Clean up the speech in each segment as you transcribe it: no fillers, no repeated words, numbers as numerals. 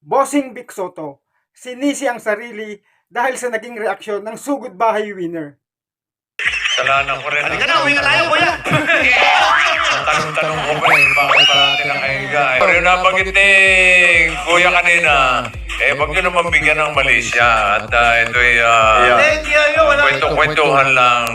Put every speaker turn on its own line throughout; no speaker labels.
Bossing Vic Soto, sinisi ang sarili dahil sa naging reaksyon ng sugod bahay winner.
Kasalanan ko rin.
Halika na, uwi na tayo, kuya!
Ang tanong-tanong ko pa bakit pa natin nakahiga Pero yung nabanggit ni Kuya kanina, wag nyo naman bigyan ng Malaysia. At ito'y kwento-kwentuhan lang.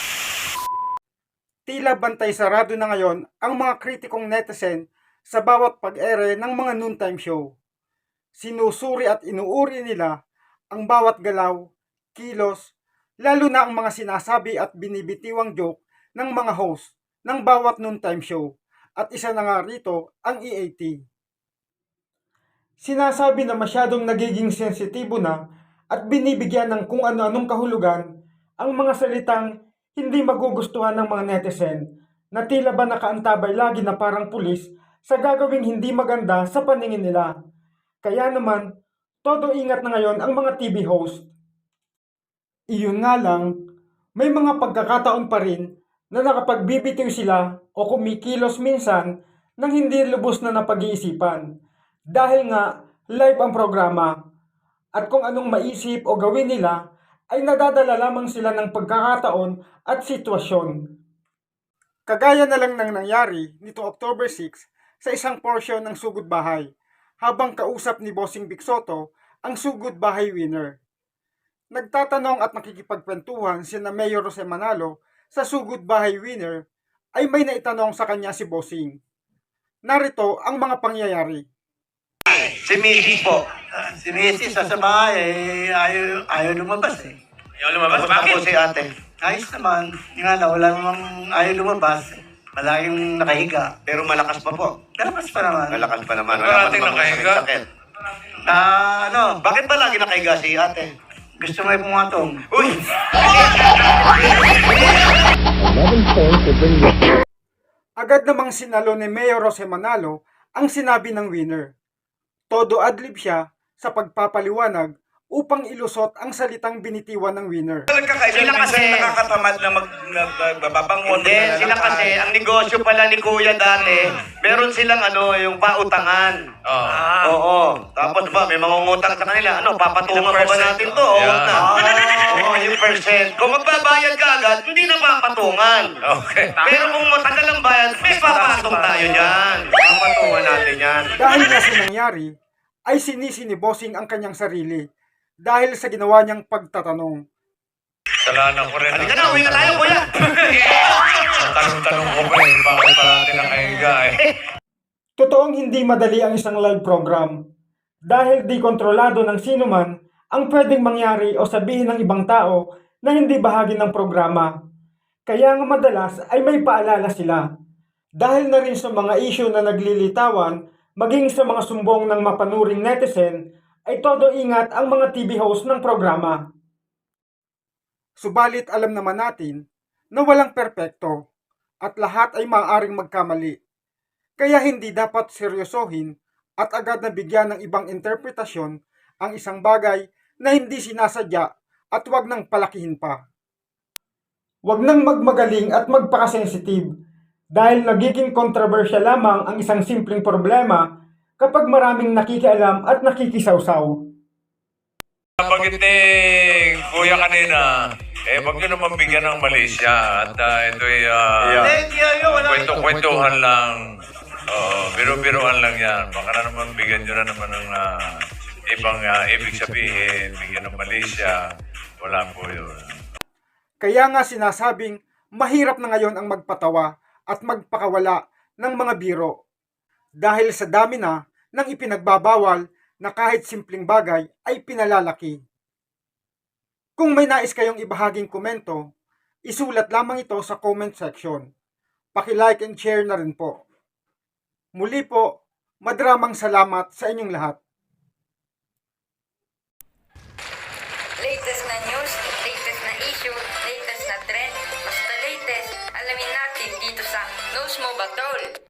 Tila bantay sarado na ngayon ang mga kritikong netizen sa bawat pag-ere ng mga noontime show. Sinusuri at inuuri nila ang bawat galaw, kilos, lalo na ang mga sinasabi at binibitiwang joke ng mga host ng bawat noontime show, at isa na nga rito ang EAT. Sinasabi na masyadong nagiging sensitibo na at binibigyan ng kung ano-anong kahulugan ang mga salitang hindi magugustuhan ng mga netizen na tila ba nakaantabay lagi na parang pulis sa gagawing hindi maganda sa paningin nila. Kaya naman, todo ingat na ngayon ang mga TV host. Iyon nga lang, may mga pagkakataon pa rin na nakapagbibitiw sila o kumikilos minsan nang hindi lubos na napag-iisipan. Dahil nga, live ang programa at kung anong maisip o gawin nila ay nadadala lamang sila ng pagkakataon at sitwasyon. Kagaya na lang ng nangyari nitong October 6 sa isang portion ng Sugod Bahay habang kausap ni Bossing Vic Soto ang Sugod Bahay winner. Nagtatanong at nakikipagkwentuhan sina Mayor Jose Manalo sa Sugod Bahay winner ay may naitanong sa kanya si Bossing. Narito ang mga pangyayari.
Si Mrs. po. Si Mrs. sa bahay, ayaw lumabas eh.
Ayaw lumabas? Bakit?
Ako si ate. Ayos naman. Yung nga na, wala namang ayaw lumabas. Palaging nakahiga. Pero malakas pa po. Malakas pa naman. Malakas pa naman.
Parating nakahiga?
Bakit ba lagi nakahiga si ate? Gusto mo yung pumatong. Uy!
Agad namang sinalo ni Mayor Jose Manalo ang sinabi ng winner. Todo adlib siya sa pagpapaliwanag upang ilusot ang salitang binitiwan ng winner.
Sila kasi nakakatamad na magbabangon. Hindi, sila kasi, ang negosyo pala ni Kuya dati, meron silang yung pautangan. Oo. Tapos ba, may mangungutang sa kanila. Papatungan pa ba natin to? Oo, yung percent. Kung magbabayad ka agad, hindi na papatungan.
Okay.
Pero kung matagal ang bayad, may papatong tayo dyan. Papatungan natin yan.
Dahil nga sa nangyari, ay sinisi ni Bossing ang kanyang sarili dahil sa ginawa niyang pagtatanong.
Kasalanan ko rin.
Halika na, uwi na tayo, kuya!
Ang tanong-tanong ko pa bakit pa natin nakahiga
Totoong hindi madali ang isang live program dahil di kontrolado ng sino man ang pwedeng mangyari o sabihin ng ibang tao na hindi bahagi ng programa. Kaya nga madalas ay may paalala sila. Dahil na rin sa mga issue na naglilitawan, maging sa mga sumbong ng mapanuring netizen, ay todo ingat ang mga TV host ng programa. Subalit alam naman natin na walang perpekto at lahat ay maaaring magkamali. Kaya hindi dapat seryosohin at agad na bigyan ng ibang interpretasyon ang isang bagay na hindi sinasadya at wag nang palakihin pa. Wag nang magmagaling at magpakasensitive dahil nagiging kontrobersyal lamang ang isang simpleng problema kapag maraming nakikialam at nakikisawsaw.
Nabanggit ni Kuya kanina, wag nyo naman bigyan ng Malaysia. At ito'y kwento-kwentuhan lang. Biro-biroan lang yan. Baka na naman bigyan nyo na naman ng ibang ibig sabihin, bigyan ng Malaysia. Wala po yun.
Kaya nga sinasabing mahirap na ngayon ang magpatawa at magpakawala ng mga biro. Dahil sa dami na ng ipinagbabawal na kahit simpleng bagay ay pinalalaki. Kung may nais kayong ibahaging komento, isulat lamang ito sa comment section. Paki-like and share na rin po. Muli po, madramang salamat sa inyong lahat.
Latest na news, latest na issue, latest na trend, basta latest, alamin natin dito sa Knows Mo Ba Tol?